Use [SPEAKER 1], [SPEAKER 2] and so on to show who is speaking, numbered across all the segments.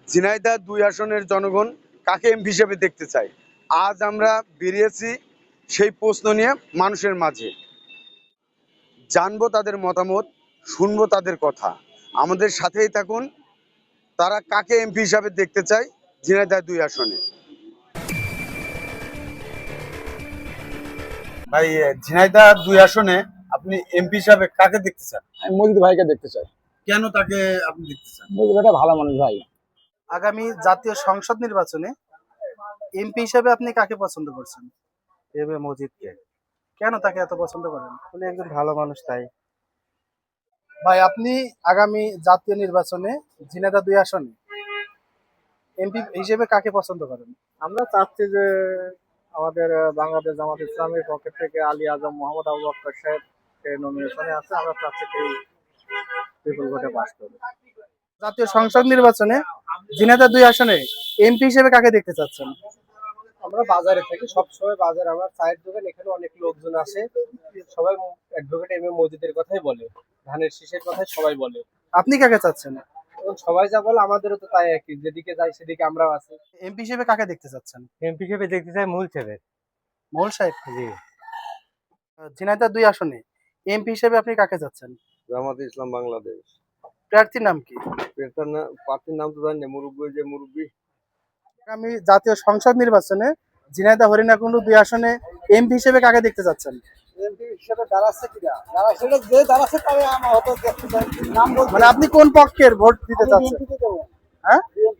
[SPEAKER 1] ঝিনাইদহ ২ আসনের জনগণ কাকে এমপি হিসেবে দেখতে চায়। আজ আমরা বেরিয়েছি সেই প্রশ্ন নিয়ে মানুষের মাঝে। জানবো তাদের মতামত, শুনবো তাদের কথা। আমাদের সাথেই থাকুন। তারা কাকে এমপি হিসাবে দেখতে চায় ঝিনাইদহ ২ আসনে। ভাই, ঝিনাইদহ ২ আসনে আপনি এমপি হিসাবে কাকে দেখতে চান?
[SPEAKER 2] আমি মজিদ ভাইকে দেখতে চাই।
[SPEAKER 1] কেন তাকে আপনি দেখতে চান?
[SPEAKER 2] মজিদ ভাইটা ভালো মানুষ ভাই।
[SPEAKER 3] আগামী জাতীয় সংসদ নির্বাচনে এমপি হিসেবে আপনি কাকে পছন্দ করছেন?
[SPEAKER 4] এম এ মজিদকে।
[SPEAKER 3] কেন তাকে এত পছন্দ করেন?
[SPEAKER 4] উনি একজন ভালো মানুষ তাই।
[SPEAKER 3] ভাই, আপনি আগামী জাতীয় নির্বাচনে ঝিনাইদহ ২ আসনে এমপি হিসেবে কাকে পছন্দ করেন?
[SPEAKER 4] আমরা চাচ্ছি যে আমাদের বাংলাদেশ জামাত ইসলামের পক্ষ থেকে আলী আজম মোহাম্মদ আবু বকর সাহেব নমিনেশনে আছে। আমরা চাচ্ছি সেই বিপুল ভোটে পাস করবে।
[SPEAKER 3] জাতীয় সংসদ নির্বাচনে ঝিনাইদহ ২ আসনে এমপি হিসেবে কাকে দেখতে চাচ্ছেন?
[SPEAKER 4] আমরা বাজারে থাকি, সবসময় বাজার আমার চায়ের দোকান, এখানে অনেক লোকজন আসে, সবাই অ্যাডভোকেট এম এ মজিদের কথাই বলে, ধানের শীষের কথাই সবাই বলে।
[SPEAKER 3] আপনি কাকে চাচ্ছেন?
[SPEAKER 4] এবং সবাই যা বলে আমাদেরও তো তাই একই, যেদিকে যাই সেদিকে আমরাও আছি।
[SPEAKER 3] এমপি হিসেবে কাকে দেখতে চাচ্ছেন?
[SPEAKER 4] এমপি হিসেবে দেখতে চাই মূল ছেলে।
[SPEAKER 3] মহল সাহেব।
[SPEAKER 4] জি।
[SPEAKER 3] ঝিনাইদহ ২ আসনে এমপি হিসেবে আপনি কাকে চাচ্ছেন?
[SPEAKER 5] জামাত ইসলাম বাংলাদেশ।
[SPEAKER 3] প্রার্থীর নাম কি?
[SPEAKER 5] প্রার্থীর নাম তো জানি না, মুরব্বী।
[SPEAKER 3] আগামী জাতীয় সংসদ নির্বাচনে ঝিনাইদহ হরিণাকুণ্ডু ২ আসনে এমপি হিসেবে কাকে দেখতে চাচ্ছেন?
[SPEAKER 4] এমপি হিসেবে দাঁড়াচ্ছে কিনা, দাঁড়াচ্ছে যে দাঁড়াচ্ছে তাই আমরা হয়তো দেখতে চাই। নাম
[SPEAKER 3] মানে আপনি কোন পক্ষের ভোট দিতে চাচ্ছেন? হ্যাঁ,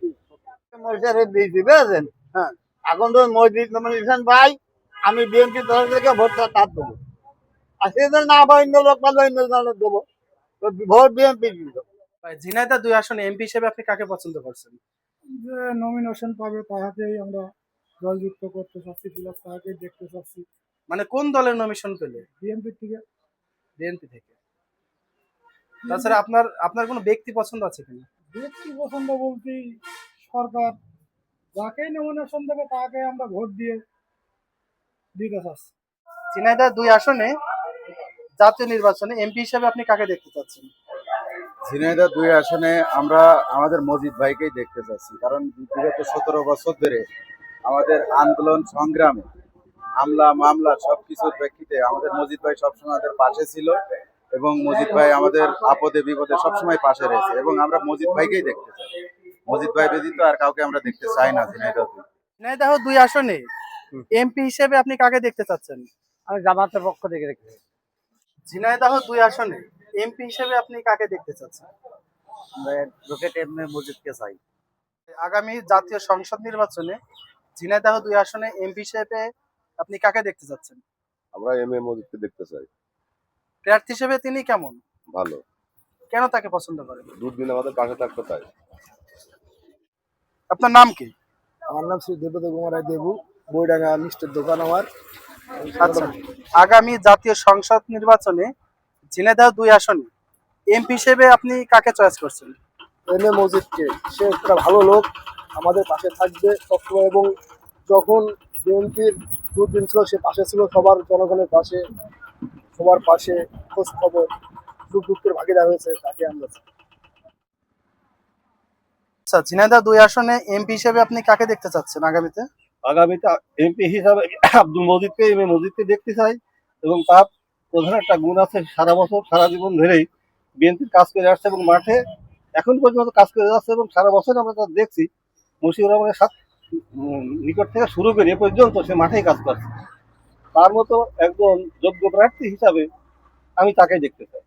[SPEAKER 4] হ্যাঁ, এখন তো মসজিদ নমিনেশন ভাই, আমি বিএনপি দল থেকে ভোটটা তার দেবো। আর সেদিন না বা অন্য লোক পারলে অন্য দলের দেবো, তো ভোট বিএনপি দিব।
[SPEAKER 3] ঝিনাইদহ ২ আসনে এমপি হিসেবে আপনি কাকে পছন্দ করছেন?
[SPEAKER 6] যে নমিনেশন পাবে তাহাকেই আমরা জয়যুক্ত করতে চাচ্ছি, প্লাস তাহাকেই দেখতে চাচ্ছি
[SPEAKER 3] মানে কোন দলের নমিশন পেলে?
[SPEAKER 6] বিএনপি থেকে।
[SPEAKER 3] বিএনপি থেকে। তাছাড়া আপনার আপনার কোনো ব্যক্তি পছন্দ আছে কিনা?
[SPEAKER 6] ব্যক্তি পছন্দ বলতেই সরকার যাকেই নমিনেশন দেবে তাকে আমরা ভোট দিয়ে দিতে চাচ্ছি।
[SPEAKER 3] ঝিনাইদহ ২ আসনে জাতীয় নির্বাচনে এমপি হিসেবে আপনি কাকে দেখতে চাচ্ছেন?
[SPEAKER 1] ঝিনাইদহ ২ আসনে আমরা আমাদের মজিদ ভাইকেই দেখতে চাচ্ছি। কারণ বিগত ১৭ বছর ধরে আমাদের আন্দোলন সংগ্রামে হামলা মামলা সবকিছুর প্রেক্ষিতে আমাদের মজিদ ভাই সবসময় আমাদের পাশে ছিল এবং মজিদ ভাই আমাদের আপদে বিপদে সবসময় পাশে রয়েছে এবং আমরা মজিদ ভাইকেই দেখতে চাই। মজিদ ভাই ব্যতীত আর কাউকে আমরা দেখতে চাই না ঝিনাইদহ।
[SPEAKER 3] ঝিনাইদহ ২ আসনে এমপি হিসেবে আপনি কাকে দেখতে চাচ্ছেন?
[SPEAKER 4] আমি জামাতের পক্ষ থেকে দেখতে চাই।
[SPEAKER 3] ঝিনাইদহ ২ আসনে এমপি হিসেবে আপনি কাকে দেখতে চাচ্ছেন?
[SPEAKER 4] আমরা অ্যাডভোকেট এম এ মজিদকে চাই।
[SPEAKER 3] আগামী জাতীয় সংসদ নির্বাচনে ঝিনাইদহ ২ আসনে এমপি হিসেবে আপনি কাকে দেখতে চাচ্ছেন?
[SPEAKER 5] আমরা এম এ মজিদকে দেখতে চাই।
[SPEAKER 3] প্রার্থী হিসেবে তিনি কেমন?
[SPEAKER 5] ভালো,
[SPEAKER 3] কেন তাকে পছন্দ করেন?
[SPEAKER 5] দুদিন আমাদের পাশে থাকতে চাই।
[SPEAKER 3] আপনার নাম কি?
[SPEAKER 4] আমার নাম শ্রী দেবদত্ত কুমার রায় দেবু, বইডাঙ্গা মিষ্টির দোকান আমার।
[SPEAKER 3] আচ্ছা, আগামী জাতীয় সংসদ নির্বাচনে ঝিনাইদহ ২ আসনে এমপি হিসেবে আপনি কাকে চয়েস করছেন?
[SPEAKER 4] M A মজিদকে। সে একটা ভালো লোক, আমাদের পাশে থাকবে সবসময়, এবং যখন বিএনপির দুর্দিন ছিল সে পাশে ছিল, সবার জনগণের পাশে, সবার পাশে খোঁজ খবর সুখ দুঃখের ভাগিদার হয়েছে, তাকে আমরা চাই।
[SPEAKER 3] আচ্ছা, ঝিনাইদহ ২ আসনে এমপি হিসেবে আপনি কাকে দেখতে চাচ্ছেন আগামীতে?
[SPEAKER 7] আগামীতে এমপি হিসাবে আব্দুল মজিদকে এম এ মজিদকে দেখতে চাই এবং তার প্রধান একটা গুণ আছে, সারা বছর সারা জীবন ধরেই বিএনপির কাজ করে আসছে এবং মাঠে এখন পর্যন্ত কাজ করে যাচ্ছে এবং সারা বছর আমরা তা দেখছি। মুশিউর রহমানের নিকট থেকে শুরু করে এ পর্যন্ত সে মাঠেই কাজ করছে। তার মতো একজন যোগ্য প্রার্থী হিসাবে আমি তাকে দেখতে চাই।